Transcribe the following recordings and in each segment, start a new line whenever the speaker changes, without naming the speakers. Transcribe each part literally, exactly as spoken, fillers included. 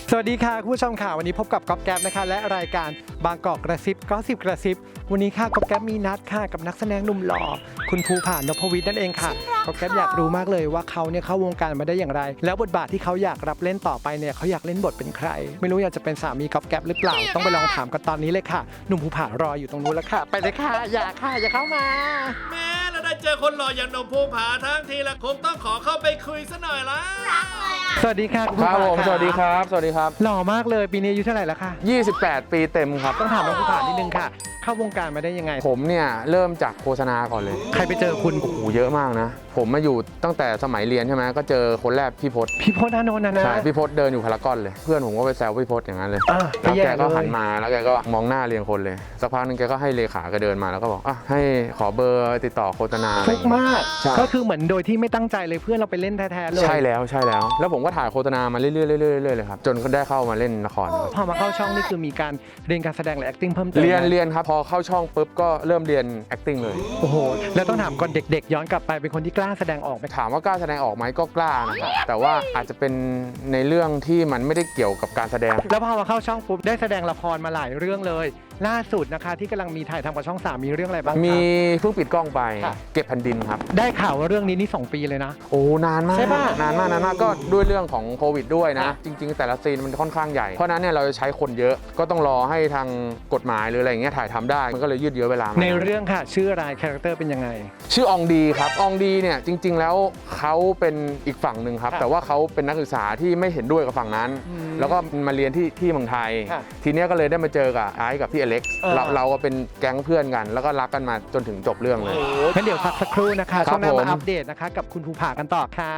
สวัสดีค่ะคุณผู้ชมค่ะวันนี้พบกับก๊อฟแก๊ปนะคะและรายการบางกอกกระซิบก็สิบกระซิบวันนี้ค่ะก๊อฟแก๊ปมีนัดค่ะกับนักแสดงหนุ่มหล่อคุณภูผานพวิทย์นั่นเองค่ะก๊อฟแก๊ปอยากรู้มากเลยว่าเขาเนี่ยเข้าวงการมาได้อย่างไรแล้วบทบาทที่เขาอยากรับเล่นต่อไปเนี่ยเขาอยากเล่นบทเป็นใครไม่รู้อยากจะเป็นสามีก๊อฟแก๊ปหรือเปล่าต้องไปลองถามกันตอนนี้เลยค่ะหนุ่มภูผารออยู่ตรงนู้นแล้วค่ะไปเลยค่ะอย่าค่ะอย่าเข้ามา
แม่เราได้เจอคนหล่ออย่างหนุ่มภูผาทั้งทีละคงต้องขอเข้าไปคุยซะหน่อยละ
สวัสดีค่ะคุณ
ค
ภู
รับ
ผา
ผมสวัสดีครับสวัสดีครับ
หล่อมากเลยปีนี้อายุเท่าไหร่แล้วคะ
ยี่สิบแปด ปีเต็มครับ
ต้องถามน้องภูผานิดนึงค่ะเข้าวงการมาได้ยังไง
ผมเนี่ยเริ่มจากโฆษณาก่อนเลย
ใครไปเจอคุณ
โอ้โหเยอะมากนะ ผมมาอยู่ตั้งแต่สมัยเรียนใช่ไหมก็เจอคนแรกพี่พศ
พี่พจน์อานนท์นะนะ
ใช่พี่พศเดินอยู่พารากอนเลยเพื่อนผมก็ไปแซวพี่พศอย่างนั้นเลย
อ่ะ
แล้วแกก็
ไปแย่เลย
หันมาแล้วแกก็มองหน้าเรียงคนเลยสักพักนึงแกก็ให้เลขาแกเดินมาแล้วก็บอกอ่ะให้ขอเบอร์ติดต่อโฆษณาอะไร
ฟุ
อก ย่างเงี้ย
มาก
ใช่
ก็คือเหมือนโดยที่ไม่ตั้งใจเลยเพื่อนเราไปเล่นแท้ๆเลย
ใช่แล้วใช่แล้ว แล้วผมก็ถ่ายโฆษณามาเรื่อยๆเรื่อยๆเรื่อยๆเลยครับจนก็ได้เข้ามาเล่นละครครับ
พอมาเข้าช่องนี่คือมีการเรียนการแสดงหรือ acting เพิ่มเติม
เรียน
ไหม
เรียนครับพอเข้าช่องปุ๊บก็เริ่มเรียน acting เลย
โอ้โหแล้วต้องถามก่อนเด็กๆ ย้อนกลับไปเป็นคนที่กล้าแสดงออกไหม
ถามว่ากล้าแสดงออกไหมก็กล้านะครับแต่ว่าอาจจะเป็นในเรื่องที่มันไม่ได้เกี่ยวกับการแสดง
แล้วพอมาเข้าช่องปุ๊บได้แสดงละครมาหลายเรื่องเลย ล่าสุดนะคะที่กำลังมีถ่ายทำกับช่องสามมีเรื่องอะไรบ้างคะ
มีเพิ่งปิดกล้องไป
ค่ะ
เก็บแผ่นดินครับ
ได้ข่าวว่าเรื่องนี้นี่สองปีเลยนะ
โอ้นานมาก
ใช่ปะ
นานมากนานมากก็ด้วยเรื่องของโควิดด้วยนะ
ค่ะ
จริง ๆ แต่ละซีนมันค่อนข้างใหญ่เพราะฉะนั้นเนี่ยเราจะใช้คนเยอะก็ต้องรอให้ทางกฎหมายหรืออะไรอย่างเงี้ยถ่ายทำได้มันก็เลยยืดเยื้อเวลามา
ในเรื่องค่ะชื่ออะไรคาแรคเตอร์เป็นยังไง
ชื่ออองดีครับอองดีเนี่ยจริง ๆ แล้วเขาเป็นอีกฝั่งหนึ่งครับ
ค่ะ
แต่ว่าเขาเป็นนักศึกษาที่ไม่เห็นด้วยกับฝั่งนั้น
อืม
แล้วก็มาเรียนที่ที่เมืองไทย
ค่ะ
ทีเนี้ยก็เลยได้มาเจอกับไอซ์กับพี่อเล็กซ์
เออ
เราเราก็เป็นแก๊งเพื่อนกัน แล้วก็รักกันมาจนถึงจบเรื่องเลย
งั้นเดี๋ยวพักสักครู่นะคะ
ครับ
ช่วงหน้า
ผม
มาอัปเดตนะคะกับคุณภูผากันต่อค่ะ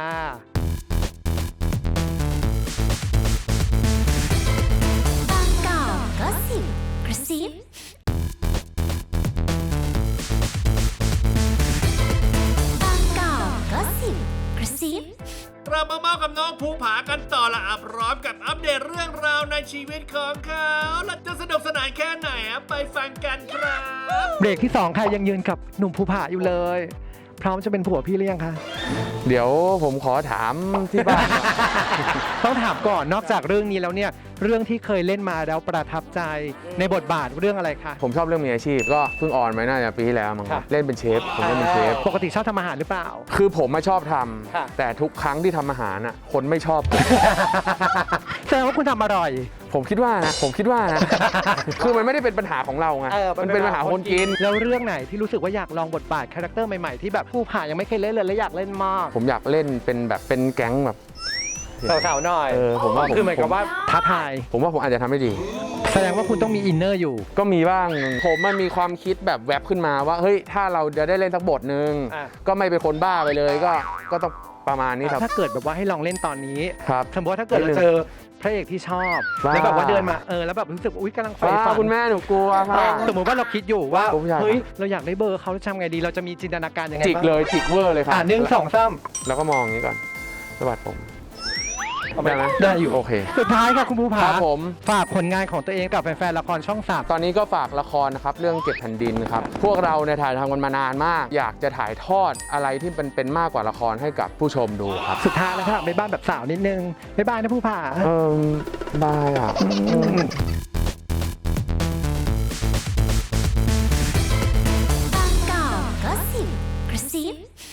บางกอกก็สิบกระซิบางกอกก็สิบกระซิบ
เรามาเมากับน้องภูผากันต่อละอับพร้อมกับอัปเดตเรื่องราวในชีวิตของเขาและจะสนุกสนานแค่ไหนอะไปฟังกันครับ
เบรกที่สองค่ะยังยืนกับหนุ่มภูผาอยู่เลย พร้อมจะเป็นผัวพี่หรือยังคะ
เดี๋ยวผมขอถามที่บ้านก่อน
ต้องถามก่อนนอกจากเรื่องนี้แล้วเนี่ยเรื่องที่เคยเล่นมาแล้วประทับใจในบทบาทเรื่องอะไรคะ
ผมชอบเรื่องมีอาชีพ ก็เพิ่งออนไปน่าจะปีที่แล้วมั้งครับ
ค่ะ
เล่นเป็นเชฟผมเล่นเป็นเชฟ
ปกติชอบทำอาหารหรือเปล่า
คือผมมาชอบท
ค่ะ
ำแต่ทุกครั้งที่ทำอาหารน่ะคนไม่ชอบผม
แสดงว่าคุณทำอร่อย
ผมคิดว่านะผมคิดว่านะ คือมันไม่ได้เป็นปัญหาของเราไง
เออ
มันเป็นปัญหาคนกิน
แล้วเรื่องไหนที่รู้สึกว่าอยากลองบทบาทคาแรคเตอร์ใหม่ๆที่แบบภูผายังไม่เคยเล่นเลยและอยากเล่นมาก
ผมอยากเล่นเป็นแบบเป็นแก๊งแบบ
สาวๆหน่อย
เออผมว่าผม
คือเหมือนกับว่าท้าทาย
ผมว่าผมอาจจะทำได้ดี
แสดงว่าคุณต้องมีอินเนอร์อยู่
ก็มีบ้าง ผมมันมีความคิดแบบแวบขึ้นมาว่า เฮ้ย ถ้าเราจะได้เล่นสักบทหนึ่ง
อ่ะ
ก็ไม่เป็นคนบ้าไปเลย ก็ ก็ต้องประมาณนี้ครับ
ถ้าเกิดแบบว่าให้ลองเล่นตอนนี้
ครับ
สมมติว่าถ้าเกิดเราเจอพระเอกที่ชอบ
บ้า
แล้วแบบว่าเดินมาเออแล้วแบบรู้สึกว่าอุ้ยกำลังใฝ่
ว้า
ฝัน
คุณแม่หนูกลัวค่ะ
สมมติว่าเราคิดอยู่ว่า
ผมอยาก
เฮ้ยเราอยากได้เบอร์เขาจะทำไงดีเราจะมีจินตนาการยังไง
จิก
บ้าง
เลย จิกเวอร์เลยครับ
อ่าหนึ่งสองสาม
แล้วก็มองอย่างนี้ก่อนสะบัดผม ได้ไหม
ได้อยู่
โอเค
สุดท้ายค่ะคุณภูผา
ครับผม
ฝากผลงานของตัวเองกับแฟนๆละครช่องสาม
ตอนนี้ก็ฝากละครนะครับ เรื่องเก็บแผ่นดินครับ พวกเราเนี่ยถ่ายทำกันมานานมาก อยากจะถ่ายทอดอะไรที่เป็นเป็นมากกว่าละครให้กับผู้ชมดูครับ
สุดท้ายแล้วค่ะบ๊ายบายแบบสาวนิดนึงบ๊ายบายนะภูผา
เออบายอ่ะ
บางกอกก็สิบกระซิบ